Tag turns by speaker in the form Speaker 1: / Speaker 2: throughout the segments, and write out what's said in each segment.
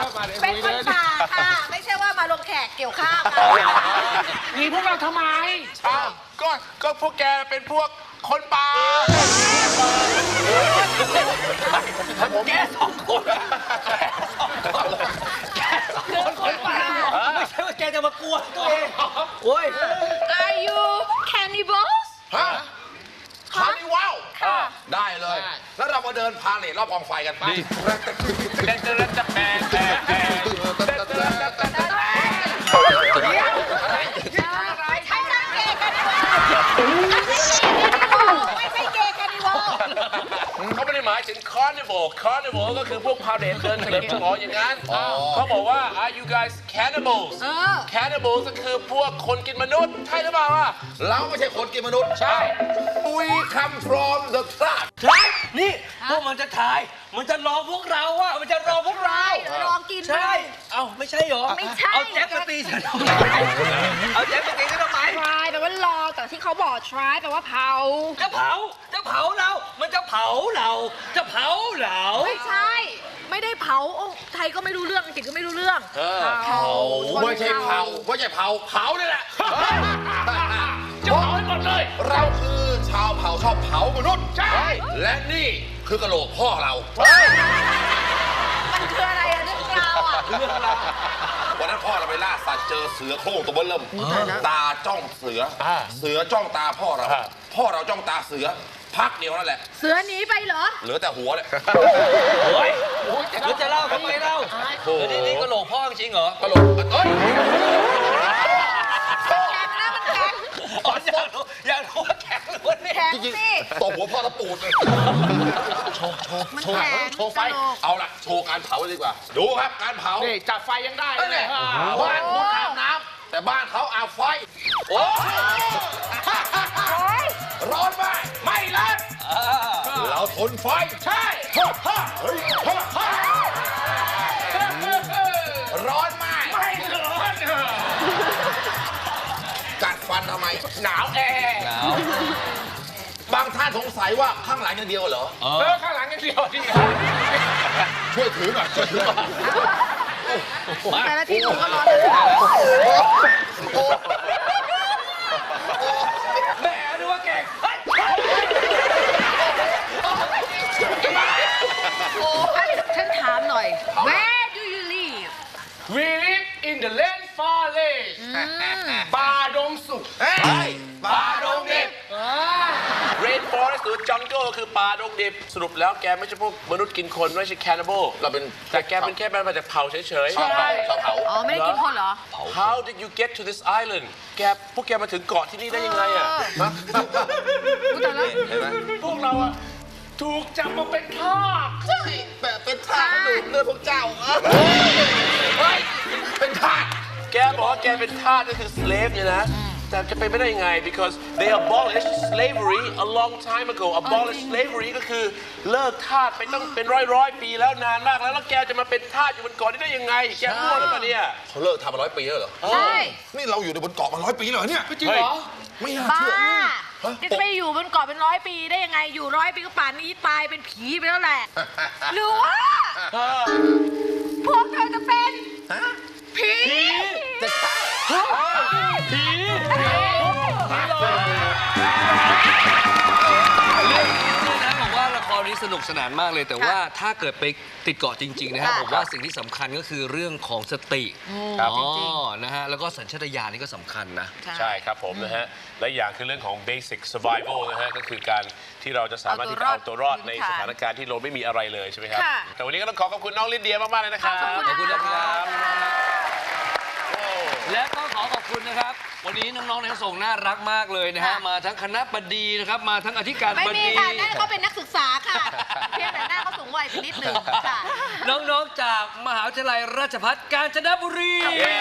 Speaker 1: เป็นคนป่าค่ะไม่ใช่ว่ามาลงแขกเกี่ยวข้าว
Speaker 2: มีพวกเราทำไม
Speaker 3: ก็พวกแกเป็นพวกคนป่า
Speaker 2: แกสองคนคนป่าไม่ใช่ว่าแกจะมากลัวตัวเองโอ้ย
Speaker 1: Are you cannibals
Speaker 3: ฮะคาร์นิวัลได้เลย แล้วเรามาเดินพาเลทรอบกองไฟกันไปเขาไม่ได้หมายถึง carnival ก็คือพวกพาเลทเดินเฉลิมฉลองอย่างนั้นเขาบอกว่า are you guys cannibals cannibals ก็คือพวกคนกินมนุษย์ใช่หรือเปล่าเราไม่ใช่คนกินมนุษย์ใช่ we come from the tribe
Speaker 2: นี่พวกมันจะถ่ายมันจะรอพวกเราอะมันจะรอพวกเรา
Speaker 1: ลองกิน
Speaker 2: ใช่เอ้าไม่ใช่หรอ
Speaker 1: ไม่ใช่
Speaker 2: เอาแจ็คมาตีฉันทำไมเอาแจ็คมาตีฉันทำไม
Speaker 1: try แปลว่ารอแต่ที่เขาบอก try แปลว่าเผา
Speaker 2: จะเผาเรามันจะเผาเราจะเผาเรา
Speaker 1: ไม่ใช่ไม่ได้เผาไทยก็ไม่รู้เรื่องอังกฤษก็ไม่รู้เรื่อง
Speaker 3: เผาไม่ใช่เผานี่แหละ
Speaker 2: จะเผาให้หมดเลย
Speaker 3: เราคือชาวเผาชอบเผามนุษย์ใช่และนี่คือกระโหลกพ่อเรา
Speaker 1: มันคืออะไรอะเรื่องราวอะ
Speaker 3: วันนั้นพ่อเราไปล่าสัตว์เจอเสือโคร่งตัวเบิ้ลเริ่มตาจ้องเสือจ้องตาพ่อเราจ้องตาเสือพักเดียวนั่นแหละ
Speaker 1: เสือหนีไปเหรอ
Speaker 3: เหลือแต่หัวเลย
Speaker 2: โอ้ยแล้วจะเล่าทำไมเล่านี่กระโหลกพ่อจริงเหรอก
Speaker 3: ระโหลกเอ้ย
Speaker 1: แข็งนะมันแข็ง
Speaker 2: อยากรู้ว่าแข็งหรือว่าเนี่ย
Speaker 1: แข็งสิ
Speaker 3: ตบหัวพ่อแล้วปูดเลยโชว์ไฟเอาล่ะโชว์การเผาดีกว่าดูครับการเผา
Speaker 2: นี่จับไฟยังได้เลย
Speaker 3: บ้านคุณอาบน้ำแต่บ้านเขาอาบไฟโอ้ร้อนไหมไม่ร้อนเราทนไฟใช่ร้อนไหมไม่ร้อนกัดฟันทำไม
Speaker 2: หนาวแอร์
Speaker 3: บางท่านสงสัยว่าข้างหลังอย่างเดียวเหรอ
Speaker 2: ข้างหลังอย่างเดียวจริง
Speaker 3: ช่วยถือหน่อย
Speaker 1: แต่ละทีผมก็ร้อนเลย
Speaker 2: แม่ดูว่าแก่
Speaker 1: ฉันถามหน่อย Where do you live
Speaker 2: We live in the land forest ป่าดงสุก
Speaker 3: ป่าดงดิบ Rain Forest หรือ Jungle คือป่าดงดิบสรุปแล้วแกไม่ใช่พวกมนุษย์กินคนไม่ใช่ cannibal เราเป็นแต่แกเป็นแค่มาจากเผ่าเฉยๆชอบเผา
Speaker 1: อ๋อไม่ได้กินคนเหรอ
Speaker 3: How did you get to this island พวกแกมาถึงเกาะที่นี่ได้ยังไงอ่ะ
Speaker 2: พวกเราอะถูกจับมาเป็นทาส
Speaker 3: ใช่แบบเป็นทาสดูดเลือดพวกเจ้าเป็นทาสแกบอกว่าแกเป็นทาสก็คือ slave เนี่ยนะแต่จะเป็นไม่ได้ยังไง because they abolished slavery a long time ago abolished slavery ก็คือเลิกทาสไปต้องเป็นร้อยปีแล้วนานมากแล้วแกจะมาเป็นทาสอยู่บนเกาะนี้ได้ยังไงแกมั่วหรือเปล่าเนี่ยเขาเลิกทำมา100 ปีแล้วเหรอ
Speaker 1: ใช่
Speaker 3: นี่เราอยู่ในบนเกาะมา100 ปีเหรอเนี่ย
Speaker 2: จริงเหรอ
Speaker 3: ไม่น่า
Speaker 1: เชื่อ
Speaker 3: จะ
Speaker 1: ไปอยู่บนเกาะเป็น100 ปีได้ยังไงอยู่100 ปีก็ป่านนี้ตายเป็นผีไปแล้วแหละหรือว่าพวกเธอจะเป็นผี
Speaker 3: จะใช่
Speaker 2: ผีบอกว่าละครนี้สนุกสนานมากเลยแต่ว่าถ้าเกิดไปติดเกาะจริงๆนะครับผมว่าสิ่งที่สำคัญก็คือเรื่องของสตินะฮะแล้วก็สัญชาตญาณนี่ก็สำคัญนะ
Speaker 3: ใช่ครับผมนะฮะและอย่างคือเรื่องของ basic survival นะฮะก็คือการที่เราจะสามารถที่จะเอาตัวรอดในสถานการณ์ที่เราไม่มีอะไรเลยใช่ไหมครับแต่วันนี้ก็ต้องขอบคุณน้องลิเดียมากๆเลยนะครับ
Speaker 1: ขอบคุณ
Speaker 2: นะครับและก็ขอบคุณนะครับวันนี้น้องๆในส่งน่ารักมากเลยนะฮะมาทั้งคณะบดีนะครับมาทั้งอธิการบดี
Speaker 1: ไม่มีค่ะนั่นเขาเป็นนักศึกษาค่ะเพียงแต่หน้าเขาสูงวัยไปนิดหนึ่งค่ะ
Speaker 2: น้องๆจากมหาวิทยาลัยราชภัฏกาญจนบุรี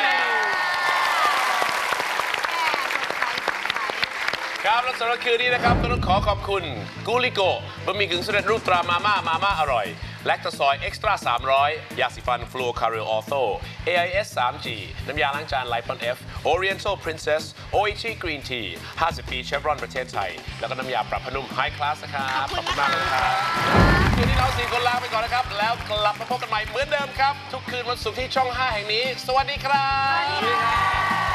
Speaker 3: ครับและสำหรับคืนนี้นะครับก็ต้องขอขอบคุณกูลิโกบะหมี่กึ่งสำเร็จรูปตรามาม่าอร่อยแลคตาซอยเอ็กซ์ตร้า300 ยาสีฟันฟลูคาริลออโต้ AIS 3G น้ำยาล้างจานไลปอน F Oriental Princess Oichi Green Tea 50 ปีเชฟรอนประเทศไทย แล้วก็น้ำยาปรับผ้านุ่ม High Class นะครับ ขอบคุณมากเลยนะครับคืนนี้เรา4 คนลาไปก่อนนะครับ แล้วกลับมาพบกันใหม่เหมือนเดิมครับ ทุกคืนวันศุกร์ที่ช่อง 5 แห่งนี้ สวัสดีครับ